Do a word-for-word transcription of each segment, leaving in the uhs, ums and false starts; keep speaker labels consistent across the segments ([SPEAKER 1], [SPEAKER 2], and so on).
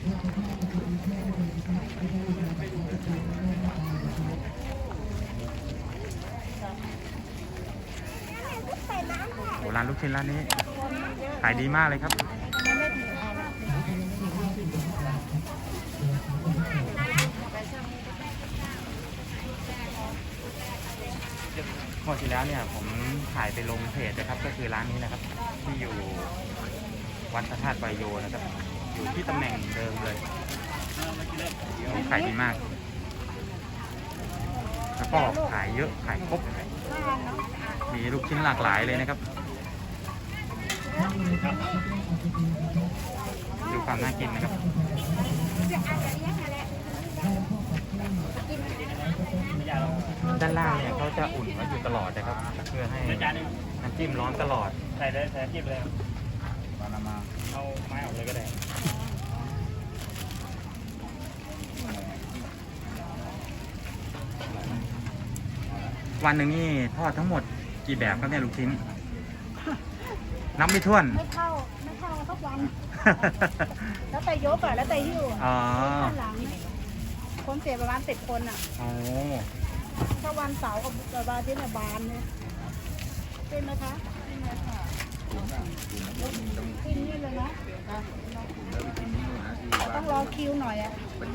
[SPEAKER 1] โอ้ร้านลูกชิ้นร้านนี้ขายดีมากเลยครับเมื่อที่แล้วเนี่ยผมถ่ายไปลงเพจนะครับก็คือร้านนี้นะครับที่อยู่วัดพระธาตุไบโยนะครับอยู่ที่ตำแหน่งเดิมเลยขายดีมากแล้วก็ขายเยอะขายครบมีลูกชิ้นหลากหลายเลยนะครับดูความน่ากินนะครับด้านล่างเนี่ยเขาจะอุ่นไว้อยู่ตลอดนะครับเพื่อให้น้ำจิ้มร้อนตลอดใส่เลยใส่น้ำจิ้มเลยตอนนำมาเอาไม้ออกเลยก็ได้วันหนึ่งนี่ทอดทั้งหมดกี่แบบครับเนี่ยลูกชิ้นนับไม่ถ้วน
[SPEAKER 2] ไม่เท่าไม่เท่าทุกวันแล้วแต่ยกอ่ะแล้วแต่หิ้วอ๋อหลังคนเสียประมาณสิบคนอ่ะอ๋อถ้าวันเสาร์กับวันอาทิตย์เนี่ยบานเนี่ยเป็นไหมคะเป็นไหมคะกินนี่เลยนะต้องรอคิวหน่อยอ่ะ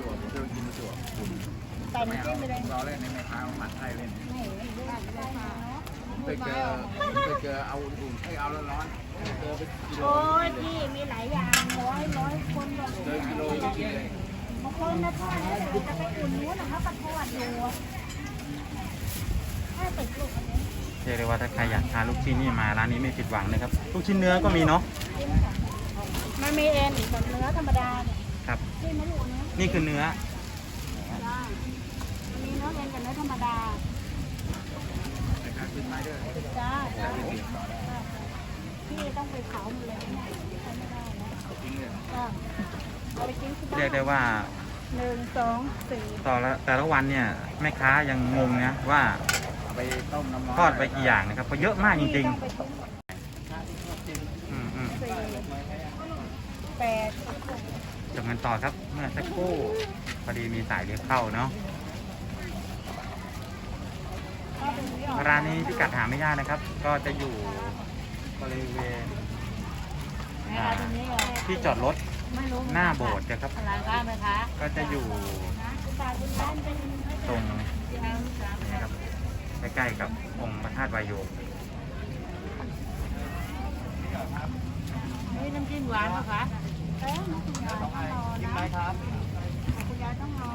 [SPEAKER 2] ใส่น้ำจิ้มไปเลยรอเล่นในแม่ค้าหมัดไทยเล่นไม่ไม่ได้ไม่ได้เนาะเคยเจอเคยเจอเอาอุ่นๆให้เอาร้อนๆเจอไปกิโลโอ้ยพี่มีหลายอย่างร้อยร้อยคนแบบเจอกิโลจะกินเลยบางคนนะทอดเนี่ยจะไปอุ่นนู้นนะเขาก็ทอดอยู่ถ้าติดลูกอันนี้
[SPEAKER 1] เรียกได้ว่าถ้าใครอยากทานลูกชิ้นนี่มาร้านนี้ไม่ผิดหวังนะครับลูกชิ้นเนื้อก็มีเนาะ
[SPEAKER 2] มันมีเอ็นอีกแบบเนื้อธรรมดาเนี่ย
[SPEAKER 1] ครับ
[SPEAKER 2] นี่ไม่รู้เนื้อ
[SPEAKER 1] นี่คือเนื้อ
[SPEAKER 2] มีเนื้อเอ็นกับเนื้อธรรมดาจ้าพี่ต้องไปเผาหมดเลยไม่ได้นะ
[SPEAKER 1] เรียกได้ว่า
[SPEAKER 2] หนึ่งสองสี่
[SPEAKER 1] ต่อละแต่ละวันเนี่ยแม่ค้ายังงงนะว่าไปต้มน้ำทอดไปกี่อย่างนะครับเพราะเยอะมากจริงๆอืมอืม
[SPEAKER 2] แปด
[SPEAKER 1] จบกันต่อครับเมื่อสักครู่พอดีมีสายเรียกเข้าเนาะร้านนี้พิกัดหาไม่ยากนะครับก็จะอยู่บริเวณที่จอดรถหน้าโบสถ์นะครับก็จะอยู่ตรงนี้ครับใกล้ๆกับองค์พระธาตุไบโย
[SPEAKER 2] นี่น้ำจิ้มหวานป่ะคะเอ๊ะน้ำจิ้มหวานต้องรอนะคุณยายต้องรอ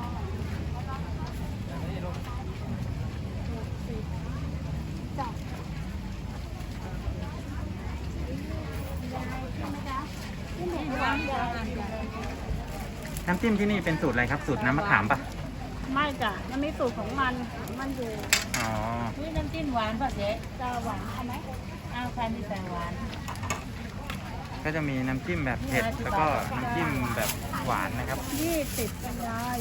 [SPEAKER 1] น้ำจิ้มที่นี่เป็นสูตรอะไรครับสูตรน้ำมะขามปะ
[SPEAKER 2] ไม่จ้ะมันมีสูตรของมันมันอยู่
[SPEAKER 1] อ๋อ
[SPEAKER 2] นี่น้ำจิ้มหวานป่ะเจ๊จะหวานเอาไหมเอาใครมีแต่หวาน
[SPEAKER 1] ก็จะมีน้ำจิ้มแบบเผ็ดแล้วก็น้ำจิ้มแบบหวานนะครับ
[SPEAKER 2] ยี่สิบกันยาย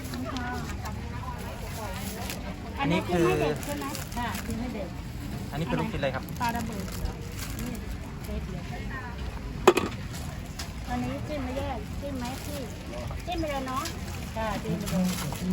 [SPEAKER 1] อันนี้คือ
[SPEAKER 2] ใช่ไหมค่ะกินให้เด็ก
[SPEAKER 1] อันนี้คือลูกชิ้นอะไรครับ
[SPEAKER 2] ปลาระเบิดนี่เผ็ดเลยอันนี้จิ้มไม่แยกจิ้มไหมพี่จิ้มไปเลยเนาะค่ะจิ้มไปเลย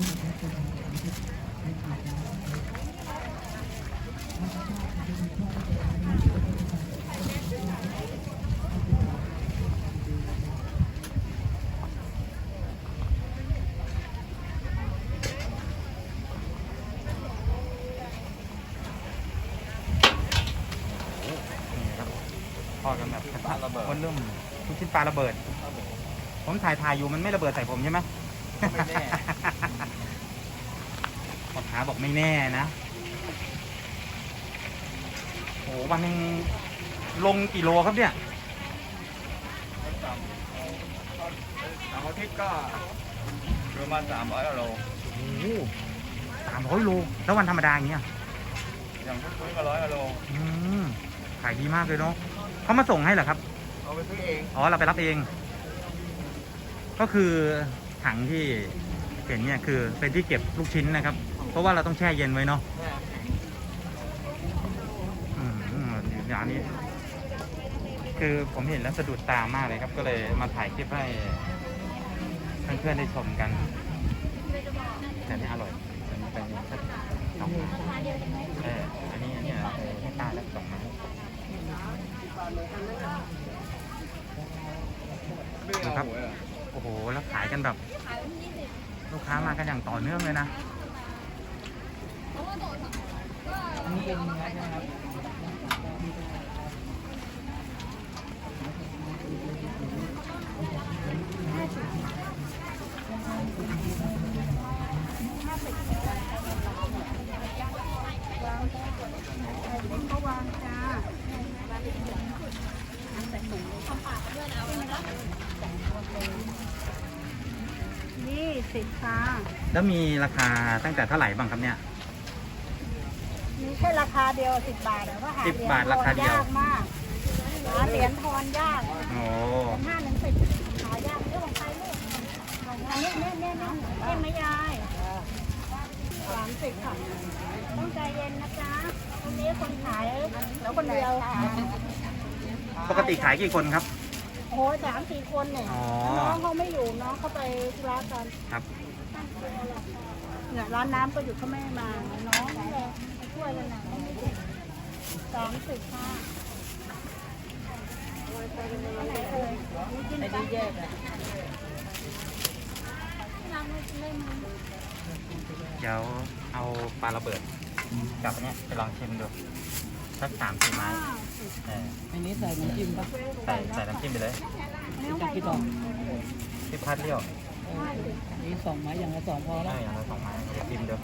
[SPEAKER 1] ทอดกันแบบกระทะระเบิดวันเริ่มลูกชิ้นปลาระเบิดผมถ่ายถ่ายอยู่มันไม่ระเบิดใส่ผมใช่ไหมไม่แน่พ่อค้าบอกไม่แน่นะโอ้วันนึงลงกี่โลครับเนี่ย
[SPEAKER 3] สามอาทิตย์ก็ประมาณสามร้อยโล
[SPEAKER 1] โอ้สามร้อยโลแล้ววันธรรมดาอย่างเงี้ย
[SPEAKER 3] อย่างทุกๆก็ร้อยโล
[SPEAKER 1] อืมขายดีมากเลยเนาะเขามาส่งให้เหรอครับ
[SPEAKER 3] เอาไปซื้อเอง
[SPEAKER 1] อ๋อเราไปรับเองก็คือถังที่เห็นเนี่ยคือเป็นที่เก็บลูกชิ้นนะครับเพราะว่าเราต้องแช่เย็นไว้เนาะอืมอย่างนี้คือผมเห็นแล้วสะดุดตามากเลยครับก็เลยมาถ่ายคลิปให้พื่อนๆได้ชมกันแต่นี่อร่อยอันนี้เป็นสักสองไม้เอออันนี้อันนี้เราให้ตาแล้วสองไม้ นะครับ โอ้โหแล้วขายกันแบบลูกค้ามากันอย่างต่อเนื่องเลยนะนี่เป็นเนื้อนะครับ
[SPEAKER 4] ก็วางจ้านี่สิบค่ะ
[SPEAKER 1] แล้วมีราคาตั้งแต่เท่าไหร่บ้างครับเนี่ย
[SPEAKER 4] มีแค่ราคาเดียวสิบบาทแต่ว่าหา
[SPEAKER 1] สิบบาทราคาเดียว
[SPEAKER 4] ยากมากหาเหรียญทอนยาก
[SPEAKER 1] โอ้
[SPEAKER 4] เป็นห้าหนึ่งสิบหายากเรื่องของใครลูกอันนี้เนี่ยเนี่ยเนี่ยเอ็มไม่ยายสามสิบค่ะต้องใจเย็นนะจ๊ะตรงนี้คนขายแล้วคนเดียว
[SPEAKER 1] ปกติขายกี่คนครับ
[SPEAKER 4] โอ้ยสามสี่คนเนี่ย
[SPEAKER 1] อ๋อ
[SPEAKER 4] น้องเขาไม่อยู่น้องเขาไปธุระกัน
[SPEAKER 1] ครับ
[SPEAKER 4] เนี่ยร้านน้ำก็อยู่เขาไม่มาน้องนี่แหละมาช่วยกันนะสามสิบค่ะอันไหนเอ่ยนี่กินไปแยกอ่ะร้านเล่น
[SPEAKER 1] เดี๋ยวเอาปลาระเบิดกับอันเนี้ยไปลองชิมดูสักสามสี่ไม้เออ
[SPEAKER 5] อันนี้ใส่น้ำจิ้มปะ
[SPEAKER 1] ใส่ใส่น้ำจิ้มไปเลย
[SPEAKER 5] จะคิดออก
[SPEAKER 1] ที่พัดเลี้ยว
[SPEAKER 5] เอออันนี้สองไม้อย่างละสองพอ
[SPEAKER 1] ได้
[SPEAKER 5] แล้ว
[SPEAKER 1] อย่างละสองไม้เดี๋ยวชิมดู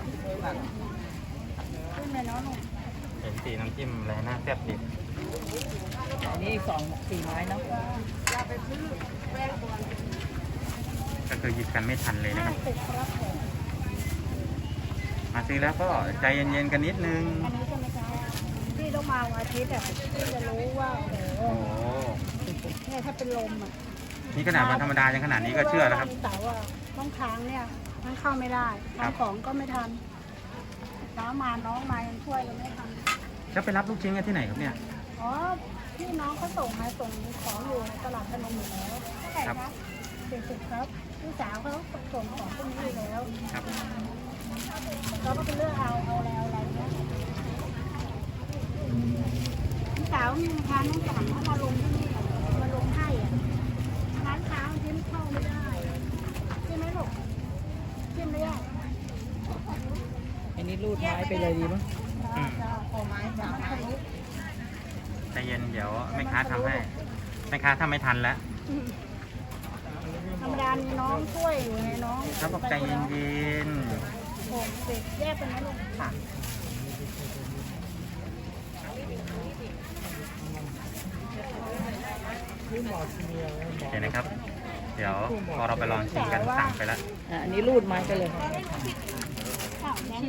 [SPEAKER 4] ขึ้นเลยเนาะหนู
[SPEAKER 1] เห็นสีน้ำจิ้มอะไรน่าแซ่บดิ
[SPEAKER 5] อันนี้อีกสองสี่ไม้เนาะ
[SPEAKER 1] ก็คือหยิบกันไม่ทันเลยนะค
[SPEAKER 4] ห้า
[SPEAKER 1] รับ
[SPEAKER 4] สิบครับผม
[SPEAKER 1] มาซื้อแล้วก็ใจเย็นๆกันนิดนึง
[SPEAKER 4] อันนี้ใช่ไหมจ๊ะพี่ต้องมาวันอาทิตย์อ่ะพี่จะรู้ว่าโอ้โห
[SPEAKER 1] โอ้โห
[SPEAKER 4] เนี่ยถ้าเป็นลมอ่ะ
[SPEAKER 1] นี่ขนาดวันธรรมดายังขนาดนี้ก็เชื่อแล้วครับ
[SPEAKER 4] เสาร์อ่ะต้องค้างเนี่ยมันเข้าไม่ได้
[SPEAKER 1] ครับ
[SPEAKER 4] ทำของก็ไม่ทันเช้ามาน้องมายังช่วยกันไม่ทัน
[SPEAKER 1] แล้วไปรับลูกชิ้นกันที่ไหนครับเนี่ย
[SPEAKER 4] อ๋อพี่น้องเขาส่งมาส่งของอยู่ในตลาดพนมอยู่แล้วเท่าไหร่
[SPEAKER 1] ครับ
[SPEAKER 4] ครับสี่สิบครับพี่สาวเขาส่งของพวกนี้อยู่แล้ว
[SPEAKER 1] ครับ
[SPEAKER 4] เราก็ไปเลือกเอาเอาแล้วอะไรเงี้ยพี่สาวมีร้านน้องสั่งเขามาลงที่นี่มาลงให้อ่ะร้านค้าที่เข้าไม่ได้ใช่ไหมลูกจิ้มเลยอ่ะ
[SPEAKER 5] อันนี้รูดไม้ไปเลยดีมั้ง
[SPEAKER 1] อืม
[SPEAKER 4] โอ้ไม้จ้า
[SPEAKER 1] ใจเย็นเดี๋ยวแม่ค้าทำให้แม่ค้าทำไม่ทันแล้ว
[SPEAKER 4] ธรรมดามีน้องช่วยอยู่ไงน้อง
[SPEAKER 1] เขาบอกใจเย็น
[SPEAKER 4] โอ้เด็กแยกเป็นไหมลูกค่ะ
[SPEAKER 1] ๆเดี๋ยวนะครับ เดี๋ยวพอเราไปลองชิมกันสั่งไปแล้ว
[SPEAKER 5] อ่ะอันนี้รูดไม้ไปเลย
[SPEAKER 4] ข้าวแดง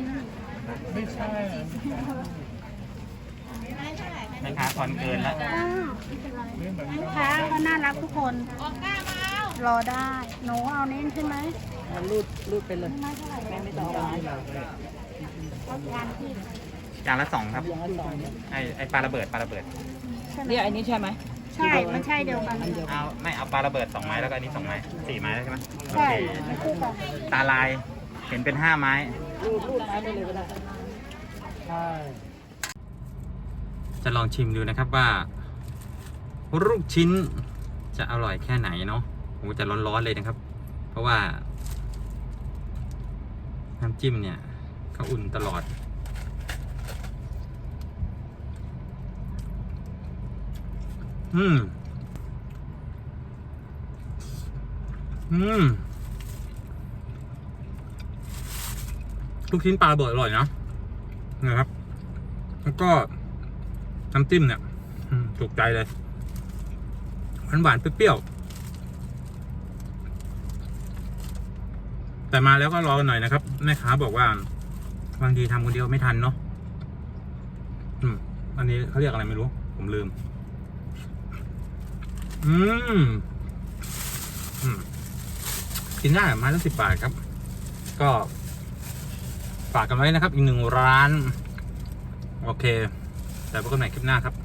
[SPEAKER 1] แม่ค้าทอนเกินแล้ว
[SPEAKER 4] อ้าวลูกค้าก็น่ารักทุกคนรอได้หนูเอานี้ใช่ไหม
[SPEAKER 5] มันรูดรูดไปเลย
[SPEAKER 4] ไม่เท่าไหร่
[SPEAKER 5] แม่ไม่ต้องเอาไม้
[SPEAKER 4] เอายานที่
[SPEAKER 1] อย่างละสองครับ
[SPEAKER 5] อย่างละสองเนี่ย
[SPEAKER 1] ไอไอปลาระเบิดปลาระเบิด
[SPEAKER 4] ใช่ไหม
[SPEAKER 5] เนี่ยอันนี้ใช่ไหม
[SPEAKER 4] ใช่มันใช่เดียวกัน
[SPEAKER 5] อันเดียวกัน
[SPEAKER 1] เอาไม่เอาปลาระเบิดสองไม้แล้วก็อันนี้สองไม้สี่ไม้แล้วใช่ไหมโอ
[SPEAKER 4] ใช่
[SPEAKER 1] เค
[SPEAKER 4] คู่กัน
[SPEAKER 1] ตาลายเห็นเป็นห้าไม้
[SPEAKER 5] รูดรูดไม้ไปเลยก็ได้
[SPEAKER 1] จะลองชิมดูนะครับว่าลูกชิ้นจะอร่อยแค่ไหนเนาะโอ้จะร้อนๆเลยนะครับ เพราะว่าน้ำจิ้มเนี่ยเขาอุ่นตลอด อืม อืม ลูกชิ้นปลาระเบิดอร่อยนะนะครับ แล้วก็น้ำจิ้มเนี่ยอืมถูกใจเลยหวานหวานๆเปรี้ยวๆแต่มาแล้วก็รอกันหน่อยนะครับแม่ค้าบอกว่าบางทีทำคนเดียวไม่ทันเนาะอืมอันนี้เขาเรียกอะไรไม่รู้ ผมลืม อืมอืมกินได้ไม้ละสิบบาทครับ ก็ฝากกันไว้นะครับ อีกหนึ่งร้าน โอเค แต่พบกันใหม่คลิปหน้าครับ